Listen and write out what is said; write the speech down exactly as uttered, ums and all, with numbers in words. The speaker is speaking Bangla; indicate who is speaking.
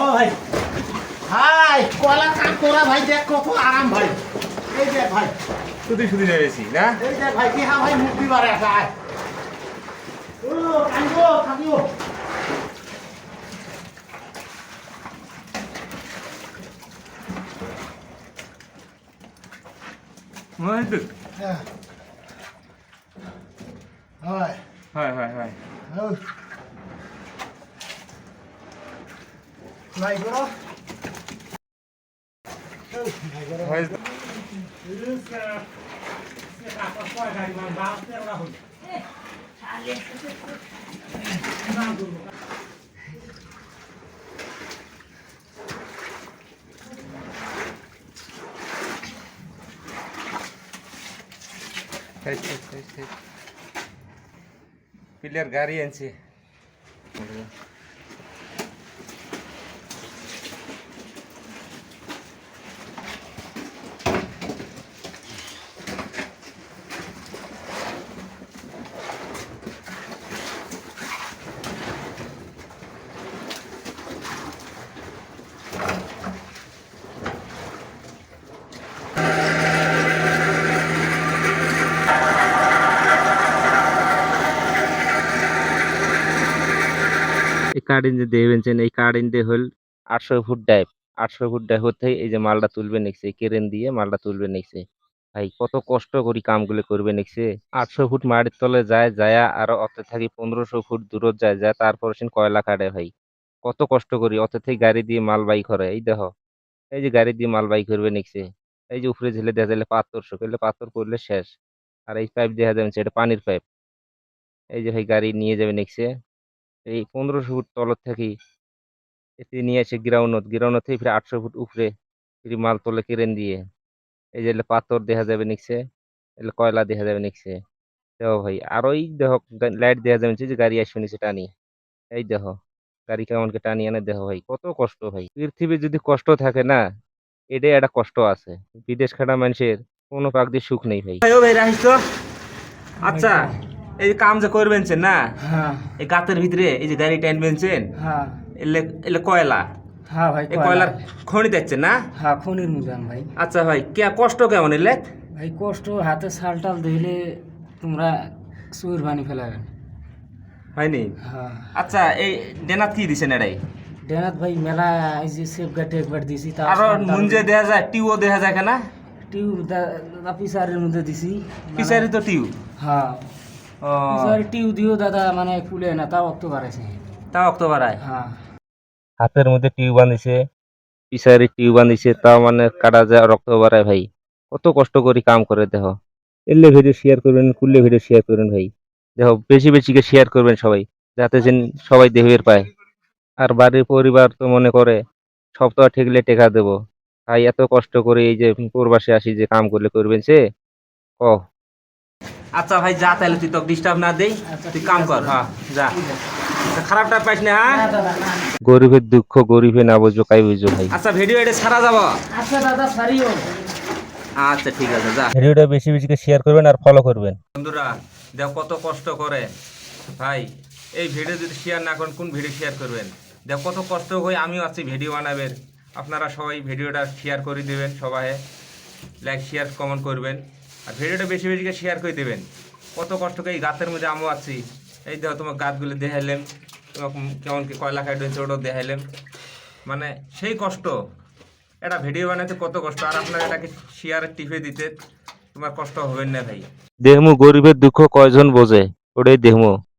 Speaker 1: ভাই ভাই কয়লা কাম করা ভাই দেখ কত আরাম ভাই। এই দেখ ভাই
Speaker 2: শুধু শুধু নেমেছি না।
Speaker 1: এই দেখ ভাই কি হা ভাই মুক্তি বারে আছে আয়। ও কাঙ্গো কাঙ্গো
Speaker 2: মহিদুর
Speaker 1: হ্যাঁ হয়
Speaker 2: হয় হয় হয়
Speaker 1: ভাই করো
Speaker 2: হয় প্লেয়ার গাড়ি আনছে এই কারেন্ট যে দেবেন এই কারেন্টে হল আটশো ফুট ডাইভ আটশো ফুট ডাইভ হতে এই যে মালটা তুলবে নিচ্ছে কেরেন দিয়ে মালটা তুলবে নিচ্ছে ভাই কত কষ্ট করি কামগুলো করবে নিচ্ছে আটশো ফুট মাটির তলে যায় যায় আর অত থাকি পনেরোশো ফুট দূরত যায় যায় তারপর সে কয়লা কাটে ভাই কত কষ্ট করি অত থেকে গাড়ি দিয়ে মাল বাই করে এই দেখো এই যে গাড়ি দিয়ে মাল বাই করবে নিচ্ছে এই যে উপরে ঝেলে দেখা যাবে পাথর শুকাইলে পাথর পড়লে শেষ আর এই পাইপ দেখা যাবে এটা পানির পাইপ এই যে ভাই গাড়ি নিয়ে যাবে নিচ্ছে এই পনেরোশো ফুট তলত থাকি এতে নিয়ে এসে গ্রাউন্ড গ্রাউন্ড থেকে ফিরে আটশো ফুট উপরে ফিরে মাল তোলে কেরেন দিয়ে এই যে পাথর দেখা যাবে নিচ্ছে এলে কয়লা দেখা যাবে নিচ্ছে দেখো ভাই আর ওই দেখো লাইট দেখা যাবে যে গাড়ি আসবে নিচে টানি এই দেখো গাড়ি কেমনকে টানি আনে দেখো ভাই কত কষ্ট ভাই পৃথিবীর যদি কষ্ট থাকে না এটাই একটা কষ্ট আছে বিদেশ খাটা মানুষের কোনো পাক দিয়ে সুখ নেই ভাই ভাই রাখিস তো আচ্ছা এই যে কাম যে করবেন না
Speaker 1: হ্যাঁ
Speaker 2: এই গাতের ভিতরে এই যে গাড়ি টানবেন
Speaker 1: হ্যাঁ
Speaker 2: এলে এলে কয়লা
Speaker 1: হ্যাঁ ভাই
Speaker 2: এই কয়লার খনি যাচ্ছে না
Speaker 1: হ্যাঁ খনির মুজান ভাই।
Speaker 2: আচ্ছা ভাই কে কষ্ট কেমন এলে
Speaker 1: ভাই কষ্ট হাতে শাল টাল দিলে তোমরা সুর বানি ফেলাবেন
Speaker 2: হয়নি।
Speaker 1: হ্যাঁ
Speaker 2: আচ্ছা এই ডেনাত কি দিছেন এটাই
Speaker 1: ডেনাত ভাই মেলা এই যে সেফ গাটে একবার দিছি তার
Speaker 2: আর মুঞ্জে দেখা যায় টিউও দেখা যায় কেনা
Speaker 1: টিউ দাদা পিসারের মধ্যে দিছি
Speaker 2: পিসারি তো টিউ
Speaker 1: হ্যাঁ
Speaker 2: ও
Speaker 1: পিসার টিউ দিও দাদা মানে ফুলে না তাও অক্টোবর আছে
Speaker 2: তা অক্টোবর আয়
Speaker 1: হ্যাঁ
Speaker 2: হাতের মধ্যে টিউ বাঁধিছে পিসারি টিউ বাঁধিছে তাও মানে কাটা যায় রক্ত বাড়ায় ভাই কত কষ্ট করে কাম করে দেখো এলে ভিডিও শেয়ার করবেন কুললে ভিডিও শেয়ার করবেন ভাই দেখো বেশি বেশি করে শেয়ার করবেন সবাই যাতে যেন সবাই দেখবে পায় আর বাড়ির পরিবার তো মনে করে সপ্তাহ ঠেকলে টেকা দেবো ভাই এত কষ্ট করে এই যে প্রবাসে আসি যে কাম করলে করবেন সে ও আচ্ছা ভাই যা তাহলে তুই তো ডিস্টার্ব না দেই তুই কাম কর হ্যাঁ যা খারাপটা পাইস না হ্যাঁ গরিবের দুঃখ গরিবে না বুঝবো কাই বুঝবো ভাই আচ্ছা ভিডিও এটা ছাড়া যাবো
Speaker 1: আচ্ছা দাদা সারিও
Speaker 2: আচ্ছা ঠিক আছে যা ভিডিওটা বেশি বেশি করে শেয়ার করবেন আর ফলো করবেন বন্ধুরা দেখো কত কষ্ট করে ভাই এই ভিডিও যদি শেয়ার না করেন কোন ভিডিও শেয়ার করবেন দেখো কত কষ্ট হয়ে আমিও আছি ভিডিও বানাবেন আপনারা সবাই ভিডিওটা শেয়ার করে দেবেন সবাই লাইক শেয়ার কমেন্ট করবেন আর ভিডিওটা বেশি বেশি করে শেয়ার করে দেবেন কত কষ্ট করে এই গাছের মধ্যে আমিও আছি এই দেখো তোমার গাছগুলো দেখাইলাম তোমাকে কেমন কি কয়লা খাইট হয়েছে ওটাও দেখাইলাম মানে সেই কষ্ট এটা ভিডিও বানাতে কত কষ্ট আর আপনার এটাকে শেয়ারে টিপে দিতে তোমার কষ্ট হবে না ভাই দেহমু গরিবের দুঃখ কয়জন বোঝে ওটাই দেহমু